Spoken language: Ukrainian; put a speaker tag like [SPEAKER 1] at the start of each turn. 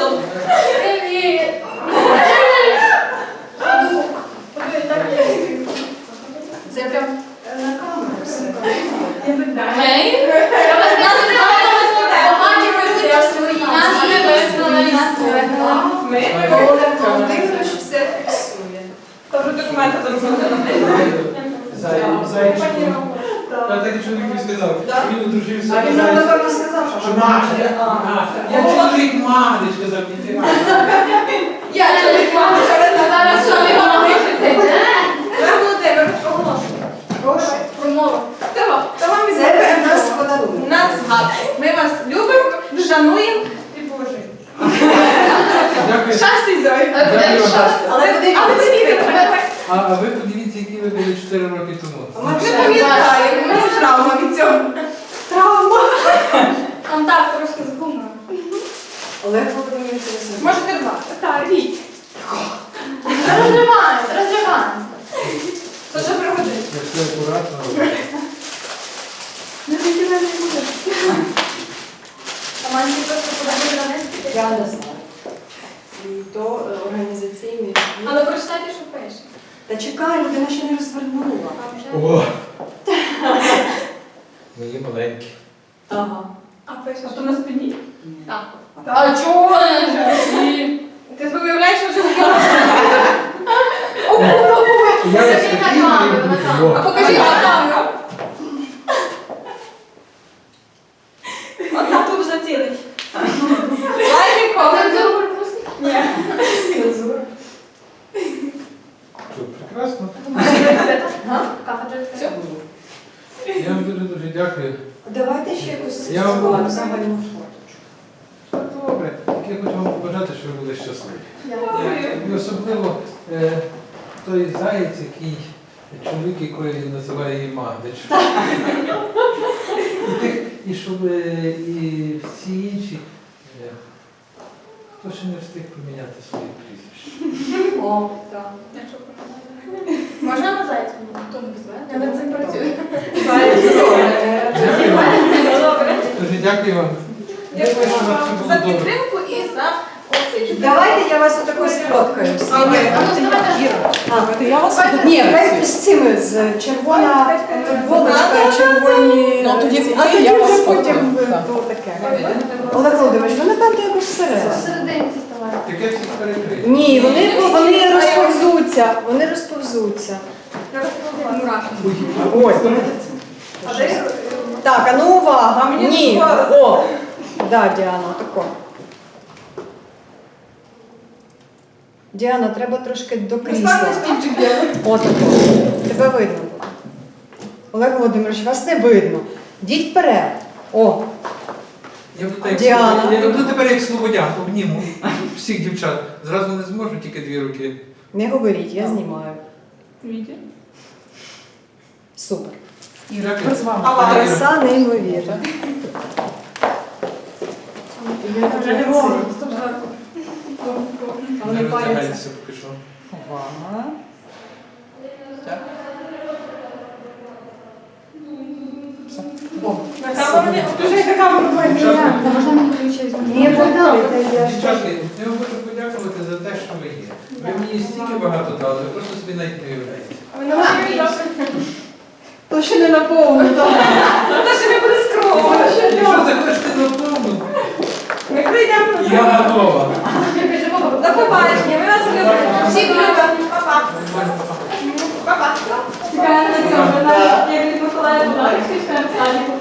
[SPEAKER 1] тут. Привіт. Це прям на камеру все. Гей? Володимирович все фіксує.
[SPEAKER 2] Добре, документи
[SPEAKER 3] Зайчику. Та так і чоловік мені сказав, що він одружився.
[SPEAKER 2] А він нам, напевно, сказав,
[SPEAKER 3] Що Магда. Я чоловік Магди, сказав, ніфіга.
[SPEAKER 2] Я чоловік мами,
[SPEAKER 1] Зараз що ви вам пишете?
[SPEAKER 2] Володимир, оголошую. Прошу.
[SPEAKER 1] Промова.
[SPEAKER 2] Це вам із нас подарунок. Нас згадує. Ми вас любимо, шануємо і поважаємо.
[SPEAKER 3] Дякую.
[SPEAKER 2] Щастя і здоров'я.
[SPEAKER 3] Дякую вам.
[SPEAKER 2] Але подивіться,
[SPEAKER 3] А ви подивіться, які ви були 4 роки тому.
[SPEAKER 2] ми пам'ятаємо, у нас травма від цього. Травма.
[SPEAKER 1] Там так, трошки з гумором.
[SPEAKER 2] Олег Володимирович, можете рвати. Так, ріть.
[SPEAKER 1] Розриваємо, розриваємо.
[SPEAKER 2] Це вже пригодиться.
[SPEAKER 3] Я все акуратно.
[SPEAKER 1] Не хотіла не буде. А мені просто подати на неї.
[SPEAKER 4] Я не знаю. І то організаційний.
[SPEAKER 1] Але прочитайте, що пише.
[SPEAKER 4] Та чекай, людина ще не розвернула.
[SPEAKER 1] Там вже.
[SPEAKER 3] О! Мої маленькі.
[SPEAKER 4] Ага.
[SPEAKER 1] А пише.
[SPEAKER 2] А то на спині?
[SPEAKER 1] Так. А чого не живі?
[SPEAKER 2] Ти собі уявляєш, що вже
[SPEAKER 3] Я вас
[SPEAKER 1] Це
[SPEAKER 3] хотів,
[SPEAKER 1] на
[SPEAKER 3] і
[SPEAKER 1] камеру, на
[SPEAKER 3] буду.
[SPEAKER 2] А покажіть на камеру. От там тут зацілить. Лайки, комент.
[SPEAKER 1] Цензуру пропустить?
[SPEAKER 2] Ні.
[SPEAKER 4] Цензура.
[SPEAKER 3] Що, прекрасно.
[SPEAKER 1] Кафедра
[SPEAKER 2] Все.
[SPEAKER 3] Я вам дуже дякую.
[SPEAKER 4] Давайте ще якусь
[SPEAKER 3] Я вам-
[SPEAKER 4] загальну фото.
[SPEAKER 3] Добре. Я хочу вам побажати, що ви були щасливі.
[SPEAKER 1] Дякую.
[SPEAKER 3] І особливо той заєць, який чоловік, який називає її Магдич. І щоб і всі інші, хто ще не встиг поміняти свої прізвища.
[SPEAKER 4] О, так.
[SPEAKER 1] Можна на зайцю? Хто не знає? Я над цим працюю.
[SPEAKER 3] Дякую вам.
[SPEAKER 2] Добре.
[SPEAKER 3] Дуже дякую вам.
[SPEAKER 2] Дякую
[SPEAKER 3] Дякую, що у вас
[SPEAKER 2] вам
[SPEAKER 3] все
[SPEAKER 2] за
[SPEAKER 3] було добре.
[SPEAKER 2] підтримку і за оцей.
[SPEAKER 4] Давайте я вас отако сфоткаю.
[SPEAKER 2] А ви? А ну, давайте.
[SPEAKER 4] А, я вас ні, хай з цими, з червона футболочка, червоні.
[SPEAKER 5] Ну, тоді
[SPEAKER 4] ці. А тоді
[SPEAKER 5] я вас
[SPEAKER 4] вже потім
[SPEAKER 5] сфоткаю, так.
[SPEAKER 4] то таке. Олег Володимирович, ви напевно якось всередині.
[SPEAKER 1] Посерединці ставай.
[SPEAKER 3] Таке всіх перекрити.
[SPEAKER 4] Ні, вони розповзуться. Вони розповзуться.
[SPEAKER 1] Мурашки.
[SPEAKER 4] Ой.
[SPEAKER 2] А де?
[SPEAKER 4] Так, а ну увага.
[SPEAKER 2] А мені
[SPEAKER 4] Ні.
[SPEAKER 2] такого-
[SPEAKER 4] О. Да, Діана, тако. Діана, треба трошки до крісла.
[SPEAKER 2] Поставте стільчик білий.
[SPEAKER 4] Отако. Тебе видно буде. Олег Володимирович, вас не видно. Йдіть вперед. О,
[SPEAKER 3] Я буду так,
[SPEAKER 4] Діана.
[SPEAKER 3] я буду тепер як слободян, обніму всіх дівчат. Зразу не зможу, тільки 2 руки.
[SPEAKER 4] не говоріть, я знімаю.
[SPEAKER 2] Вітя.
[SPEAKER 4] Супер.
[SPEAKER 3] Іра,
[SPEAKER 5] Ми з вами.
[SPEAKER 2] А вам?
[SPEAKER 4] Краса неймовірна.
[SPEAKER 2] Вже не можу.
[SPEAKER 4] Вони паряться.
[SPEAKER 3] роздягайтеся поки що.
[SPEAKER 5] Увага. Так.
[SPEAKER 4] О,
[SPEAKER 2] На камеру не включайте камеру, бо
[SPEAKER 3] Дівчатка,
[SPEAKER 1] Та можна мені ключі
[SPEAKER 4] ні, подали, я ж
[SPEAKER 3] дівчатки, я вам хочу подякувати за те, що ви є. Ви мені стільки багато дали, ви просто собі навіть не уявляєте.
[SPEAKER 2] Ви не можете. То ще не наповнено. То ще не буде скромно.
[SPEAKER 3] Якщо захочете наповну,
[SPEAKER 2] Ми прийдемо на
[SPEAKER 3] я готова.
[SPEAKER 2] До побачення. Ми вас любимо. Всіх любимо. Па-па. Па-па.
[SPEAKER 1] Чекаємо на цьому. Я від Миколая Богданівська, чекаємо в садіку.